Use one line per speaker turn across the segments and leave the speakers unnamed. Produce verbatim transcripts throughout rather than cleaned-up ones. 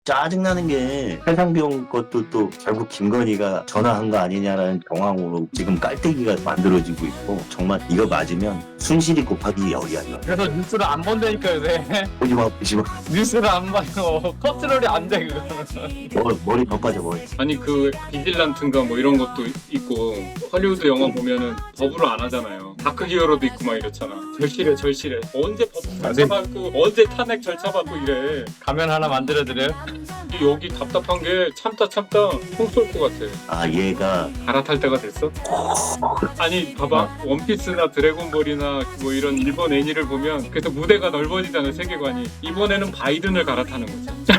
짜증나는 게 해상병 것도 또 결국 김건희가 전화한 거 아니냐라는 정황으로 지금 깔때기가 만들어지고 있고, 정말 이거 맞으면 순실이 곱하기 열이야. 이거.
그래서 뉴스를 안 본다니까요. 네.
보지 마, 보지 마.
뉴스를 안 봐요. 컨트롤이 안 돼 그거는.
머리, 머리 더 빠져, 머리.
아니 그 비질란트인가 뭐 이런 것도 있고 헐리우드 영화 보면은 법으로 안 하잖아요. 다크 히어로도 있고 막 이렇잖아. 절실해 절실해. 언제 법 절차 받고 언제 탄핵 절차 받고 이래.
가면 하나 만들어드려요?
여기 답답한 게 참다 참다 총 쏠 것 같아.
아, 얘가
갈아탈 때가 됐어? 아니 봐봐 원피스나 드래곤볼이나 뭐 이런 일본 애니를 보면 그래서 무대가 넓어지잖아 세계관이. 이번에는 바이든을 갈아타는 거지.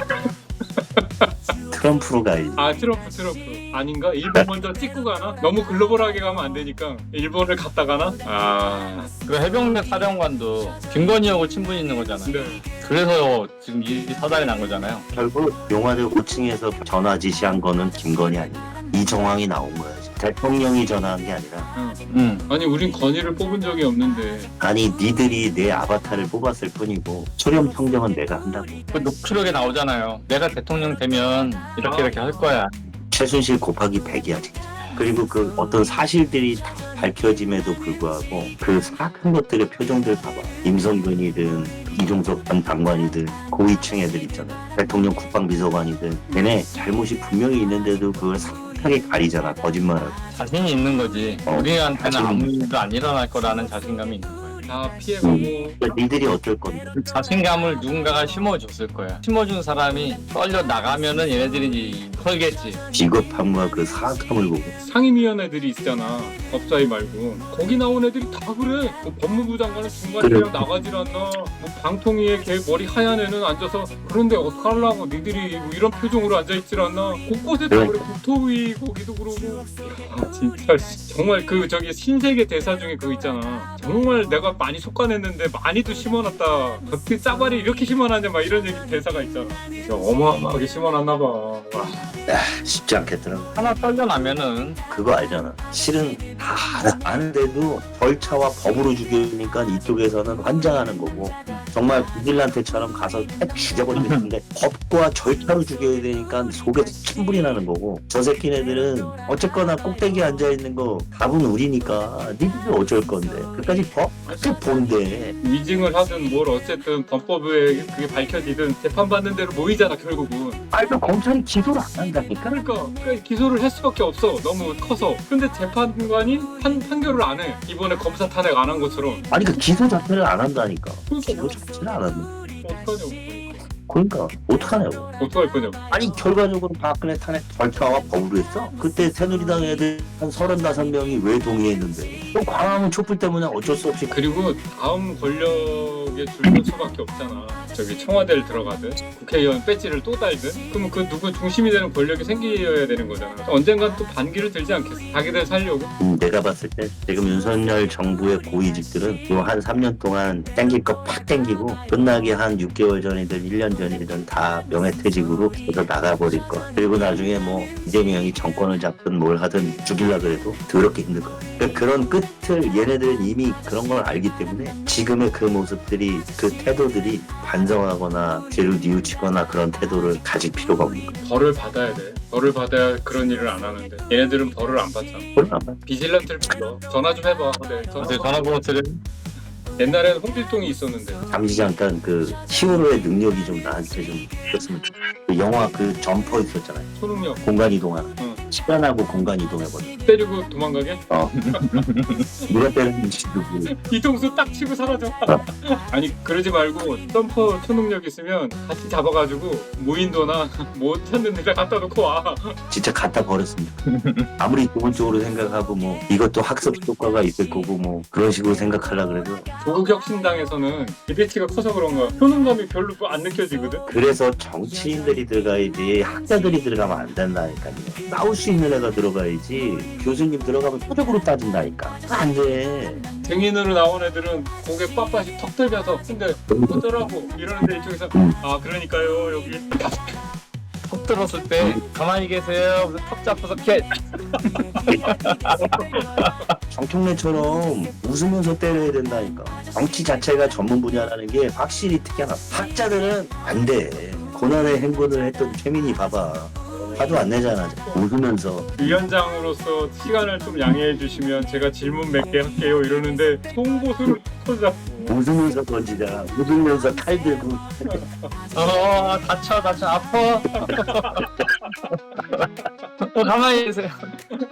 트럼프로 가야지.
아 트럼프 트럼프 아닌가? 일본 먼저 찍고 가나? 너무 글로벌하게 가면 안 되니까 일본을 갔다 가나? 아
그 해병대 사령관도 김건희하고 친분이 있는 거잖아요.
네.
그래서 지금 이 사달이 난 거잖아요.
결국 용화대 오 층에서 전화 지시한 거는 김건희 아닙니까? 이 정황이 나온 거야. 대통령이 전화한 게 아니라.
응.
응.
아니 우린 건의를 뽑은 적이 없는데.
아니, 니들이 내 아바타를 뽑았을 뿐이고 수렴 평정은 내가 한다고.
그 녹취록에 나오잖아요. 내가 대통령 되면 이렇게 이렇게 할 거야.
최순실 곱하기 백이야 진짜. 그리고 그 어떤 사실들이 다 밝혀짐에도 불구하고 그 사악한 것들의 표정들 봐봐. 임성근이든 이종석 전 장관이든 고위층 애들 있잖아. 대통령 국방비서관이든 걔네 잘못이 분명히 있는데도 그걸 삭하게 가리잖아. 거짓말하고.
자신이 있는 거지.
어,
우리한테는
자신-
아무 일도 안 일어날 거라는 자신감이 있는 거야.
다 피해가고.
그러니까 니들이 어쩔 건데.
그 자신감을 누군가가 심어줬을 거야. 심어준 사람이 떨려 나가면은 얘네들이 이제 털겠지.
비겁함과 그 사악함을 보고
상임위원회들이 있잖아. 법사위 말고. 거기 나온 애들이 다 그래. 뭐 법무부 장관은 중간에
그래.
그냥 나가질 않나. 뭐 방통위에 걔 머리 하얀 애는 앉아서 그런데 어떡하려고 니들이 뭐 이런 표정으로 앉아있질 않나. 곳곳에 다 그래. 국토위 거기도 그러고. 야 진짜 정말 그 저기 신세계 대사 중에 그거 있잖아. 정말 내가 많이 속간했는데 많이도 심어놨다. 어떻게 짜발이 이렇게 심어놨냐 막 이런 얘기 대사가 있잖아. 진짜 어마어마하게 심어놨나 봐. 와.
쉽지 않겠더라고.
하나 떨려 나면은
그거 알잖아. 실은 다 알아. 아는데도 절차와 법으로 죽이니까 이쪽에서는 환장하는 거고, 정말 비질란테처럼 가서 딱 죽여버리겠는데 법과 절차로 죽여야 되니까 속에 천불이 나는 거고, 저 새끼네들은 어쨌거나 꼭대기에 앉아있는 거 답은 우리니까 니들이 어쩔 건데 그까지 법? 그게 뭔데.
위증을 하든 뭘 어쨌든 법법에 그게 밝혀지든 재판받는 대로 모이잖아 결국은.
아니 그 검찰이 기소를 안 한다니까.
그러니까, 그러니까 기소를 할 수밖에 없어 너무 커서. 근데 재판관이 판, 판결을 안 해. 이번에 검사 탄핵 안 한 것처럼.
아니 그 기소 자체를 안 한다니까.
그러니까
기소 자체를 안 한다.
어떡하냐고.
그러니까 어떡하냐고.
어떡할 거냐고.
아니 결과적으로 박근혜 탄핵 절차와 법으로 했어. 그때 새누리당 애들 한 서른다섯 명이 왜 동의했는데, 또 광화문 촛불 때문에 어쩔 수 없이.
그리고 다음 권력에 줄을 수밖에 없잖아. 저기 청와대를 들어가든 국회의원 배지를 또 달든 그러면 그 누구 중심이 되는 권력이 생겨야 되는 거잖아. 언젠간 또 반기를 들지 않겠어. 자기들 살려고.
음, 내가 봤을 때 지금 윤석열 정부의 고위직들은 요 한 삼 년 동안 땡길 거 팍 땡기고 끝나기 한 육 개월 전이든 일 년 전이든 다 명예퇴직으로 계속 나가버릴 거야. 그리고 나중에 뭐 이재명이 정권을 잡든 뭘 하든 죽이려 그래도 더럽게 힘들 거야. 그러니까 그런 끝을 얘네들은 이미 그런 걸 알기 때문에 지금의 그 모습들이, 그 태도들이 반성하거나 뒤를 뉘우치거나 그런 태도를 가질 필요가 없는 거야.
벌을 받아야 돼. 벌을 받아야 그런 일을 안 하는데 얘네들은 벌을 안 받잖아.
그건 안 봐.
비질란트를 불러. 전화 좀 해봐. 네, 전화.
어제 전화번호 드려.
옛날에는 홍길동이 있었는데.
잠시 잠깐 그 히어로의 능력이 좀 나한테 좀 있었으면 좋겠어. 그 영화 그 점퍼 있었잖아요.
초능력.
공간 이동하는.
응.
시간하고 공간 이동해버려.
때리고 도망가게?
어. 누가 때렸는지 누구.
뒤통수 딱 치고 사라져. 아니 그러지 말고 점퍼 초능력 있으면 같이 잡아가지고 무인도나 못 찾는 데다 갖다 놓고 와.
진짜 갖다 버렸습니다. 아무리 기본적으로 생각하고 뭐 이것도 학습 효과가 있을 거고 뭐 그런 식으로 생각하려 그래도,
조국혁신당에서는 이펙트가 커서 그런가 효능감이 별로 안 느껴지거든.
그래서 정치인들이 들어가야지 학자들이 들어가면 안 된다니까요. 싸울 수 있는 애가 들어가야지. 교수님 들어가면 표적으로 따진다니까. 안 돼.
증인으로 나온 애들은 고개 빳빳이 턱 들면서 근데 어쩌라고 이러는데 이쪽에서
음.
아 그러니까요 여기
턱 들었을 때 가만히 계세요. 그래서 턱 잡아서 캐.
정청래처럼 웃으면서 때려야 된다니까. 정치 자체가 전문 분야라는 게 확실히 특이하다. 학자들은 안 돼. 고난의 행군을 했던 최민희 봐봐. 화도 안 내잖아. 웃으면서.
위원장으로서 시간을 좀 양해해 주시면 제가 질문 몇 개 할게요 이러는데 송곳으로 터져.
웃으면서 던지잖아. 웃으면서 칼 들고.
어 다쳐 다쳐 아파. 어, 가만히 계세요.